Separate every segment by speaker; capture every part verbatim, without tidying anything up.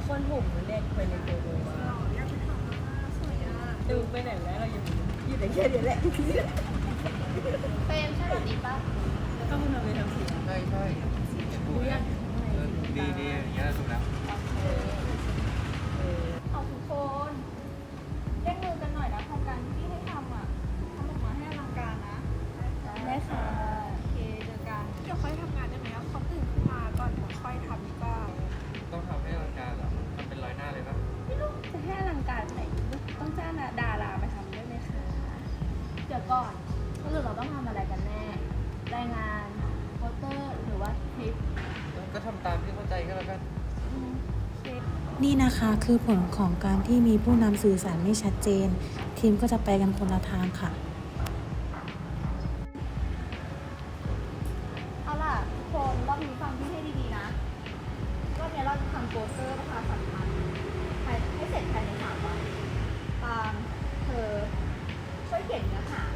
Speaker 1: คนผมมันเล็กไปในตัวดูมา
Speaker 2: อยากไปทำมาสวยอ่ะ
Speaker 1: ดูไปไหนแล้วเราอยู่อยู่แต่แค่เดียวแหละ
Speaker 2: เฟรมใช่แบบนี้ปะ
Speaker 1: ก็มันทำไปทำสี
Speaker 3: ใช่ใช่ดูนะดีดีอย่างเงี้ยถูกแล้ว
Speaker 2: เอาทุกคนเร่งมือกันหน่อยนะโครงการที่ให้ทำอ่ะทำออกมาให้อลังการนะได้ค่ะโอเคเจอกันเดี๋ยวค่อยทำงานได้ไหมอ่ะเขาตื่นขึ้นมาก่อนเดี๋ยวค่อยทำดีกว่า
Speaker 3: ต้องทำให้ร่างกายเหรอทำเป็นร้อยหน้าเลยปะ
Speaker 2: ไม่รู้จะให้อลังการไหนต้องจ้างดาราไปทำด้วยไหมคะเดี๋ยวก่อนสรุปเราต้องทำอะไรกันแน่รายงานโปสเตอร์หรือว่าคลิป
Speaker 3: ก็ทำตามที่เข้าใจก็แล้วกัน
Speaker 2: คลิป
Speaker 4: นี่นะคะคือผลของการที่มีผู้นำสื่อสารไม่ชัดเจน ทีมก็จะไปกันคนละทางค่ะ
Speaker 2: เอาล่ะทุกคนรอบนี้ฟังพี่ให้ดีๆนะรอบนี้เราจะทำโปสเตอร์ประชาสัมพันธ์ภายให้เสร็จภายในสามวันตามเธอช่วยเขียนเนื้อหา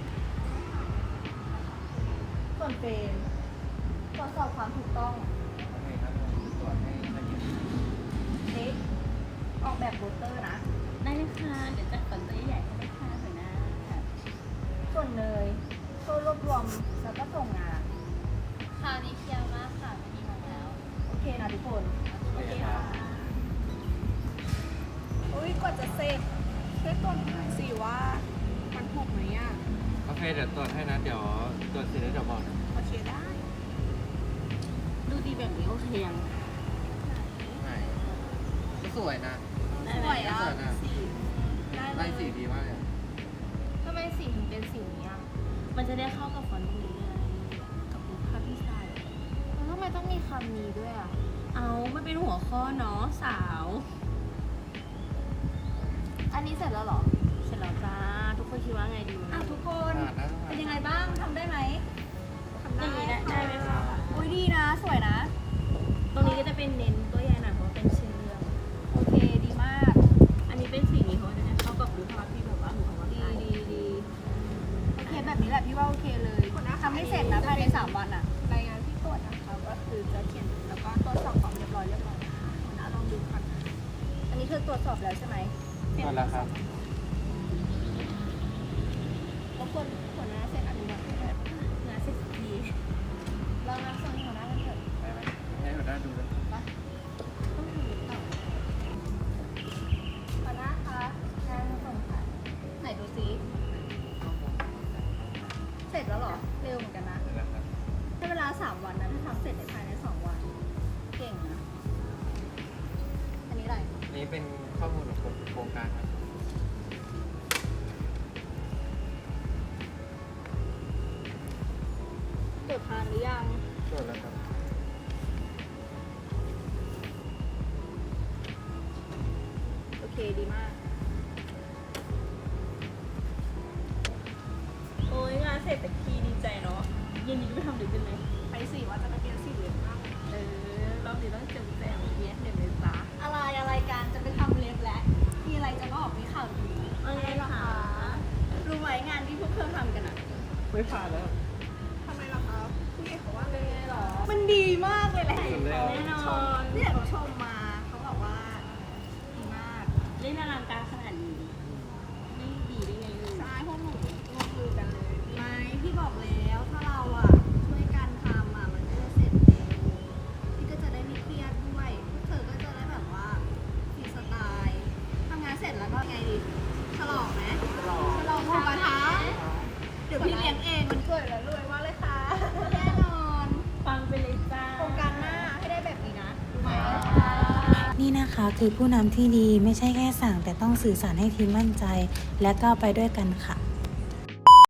Speaker 2: ส่วนเฟรมตรวจสอบความถูกต้อง
Speaker 3: โอเคครับตรวจให้ละเอียด
Speaker 2: เน็กออกแบบโปสเตอร์นะ
Speaker 1: ได้เลยค่ะเดี๋ยวจัดคอนเสิร์ตใหญ่ให้ได้ค่ะหัวหน้า
Speaker 2: ส่วนเนยช่วยรวบรวมแล้วก็ส่งงาน
Speaker 5: คราวนี้เคลียร์มากค่ะไม่มีงงแล้ว
Speaker 2: โอเคนะทุกคน
Speaker 3: โอเคครับ
Speaker 2: อุ้ยกว่าจะเสร็จช่วยตรวจหน่อยสิว่ามันถูกไหมอ่ะ
Speaker 3: โอเคเดี๋ยวตรวจให้นะเดี๋ยวตรวจเสร็จแล้วเดี๋ยวบอกนะ
Speaker 2: โอเคได้
Speaker 1: ดูดีแบบนี้โอเคยัง
Speaker 3: ไหนก็สวยนะ
Speaker 2: สวยอ่ะ
Speaker 3: สวยนะ
Speaker 2: สีได้เล
Speaker 3: ไล่
Speaker 2: ย
Speaker 3: สีดีมากเลย
Speaker 2: ทำไมสีถึงเป็นสีนี้อ่ะ
Speaker 1: มันจะได้เข้ากับฟอนต์ตรงนี้ไงกับรูปภาพที่ใส่
Speaker 2: แล้วทำไมต้องมีคำนี้ด้วยอ่ะ
Speaker 1: เอามันเป็นหัวข้อเนาะสาว
Speaker 2: อันนี้เสร็จแล้วเหรอ
Speaker 1: เสร็จแล้วจ้าทุกคนคิดว่าไงดี
Speaker 2: อ่ะทุกคน
Speaker 3: ผ่านนะ
Speaker 2: เป็นยังไงบ้างทำได้ไหมทำ
Speaker 1: ตรงนี้ได้
Speaker 2: ค่ะ
Speaker 1: ได้ไหมคะ
Speaker 2: อุ้ยดีนะ สวยนะ
Speaker 1: ตรงนี้ก็จะเป็นเน้นตัวใหญ่หน่อยเพราะว่าเป็นชื่อเรื่อง
Speaker 2: โอเคดีมาก
Speaker 1: อันนี้เป็นสีนี้เพราะว่าจะได้เข้ากับรูปภาพที่แบบว่าหนูเอามา
Speaker 2: ดี
Speaker 1: ถ่าย
Speaker 2: ดีดีโอเคแบบนี้แหละพี่ว่าโอเคเลยทำให้เสร็จนะภายในสามวันอ่ะ รายงานที่ตรวจนะคะก็คือจะเขียนแล้วก็ตรวจสอบความเรียบร้อยเรียบร้อยนะคะหัวหน้าลองดูก่อนอันนี้คือตรวจสอบแล้วใช่ไหม
Speaker 3: ตรวจแล้วครับ
Speaker 2: รบกวนหัวหน้าเซ็นอนุมัติให้ด้วย
Speaker 1: งานเสร็จสักที
Speaker 2: เรานับส่วนหัวหน้ากันเถอะ
Speaker 3: ไปไหมให้หัวหน้าดูเลย
Speaker 2: ปะต้องถือต่อหัวหน้าคะงานมาส่งค่ะไหนดูซิเสร็จแล้วเหรอ เร็วเหมือนกันนะ
Speaker 3: เสร็จแล้วครับ
Speaker 2: ให้เวลาสามวันนะถ้าทำเสร็จในภายในสองวัน เก่งนะ อันนี้อะไร
Speaker 3: นี่เป็นข้อมูลของโครงการครับ
Speaker 2: ตรวจทานหรือยัง
Speaker 3: ตรวจแล้วครับ
Speaker 2: โอเคดีมาก
Speaker 1: โอ้ยงานเสร็จแต่ทีดีใจเนาะเย็นนี้จะไปทำหรือเป็นไหม
Speaker 2: ไปสิว่าจะไปเปลี่ยนสีเหลืองมาก
Speaker 1: เออรอบนี้ต้องเจอแจมเย็นเดี๋ยวเลยจ้า
Speaker 2: อะไรอะไรการจะไปทำเล็บแล้วมีอะไรจะบอกมีข่าวดี
Speaker 1: อะไรเหรอคะ
Speaker 2: รู้ไหมงานที่พวกเธอทำกันอะ
Speaker 3: ไม่ผ่านแล้ว
Speaker 2: ทำไมล่ะคะผู้ใหญ่เขาว่าเป็นไงหรอ มันดีมากเลยแหละ
Speaker 3: สุดแล้ว
Speaker 1: แน่นอน
Speaker 2: เนี่ยเขาชมมาเขาบอกว่าดีมาก
Speaker 1: เล่นอลังการขนาดนี้ไม่ดีได้ไงลูก
Speaker 2: ใช่พวกหนูร่วมมือกันเลยไม่พี่บอกแล้วถ้าเราอะช่วยกันทำอะมันก็จะเสร็จเร็วพี่ก็จะได้ไม่เครียดด้วยพวกเธอก็จะได้แบบว่าฟรีสไตล์ทำงานเสร็จแล้วก็ไงดีฉลองไหมฉลองฉลองหมูกระทะเดี๋ยวพี่เลี้ยงเองมันเกิดแล้วรวยมากเลยค่ะแน่นอน
Speaker 1: ฟังไปเลยจ้า
Speaker 2: โครงการหน้าให้ได้แบบนี้นะรู้ไหม
Speaker 4: นี่นะคะคือผู้นำที่ดีไม่ใช่แค่สั่งแต่ต้องสื่อสารให้ทีมมั่นใจ และก้าวไปด้วยกันค่ะ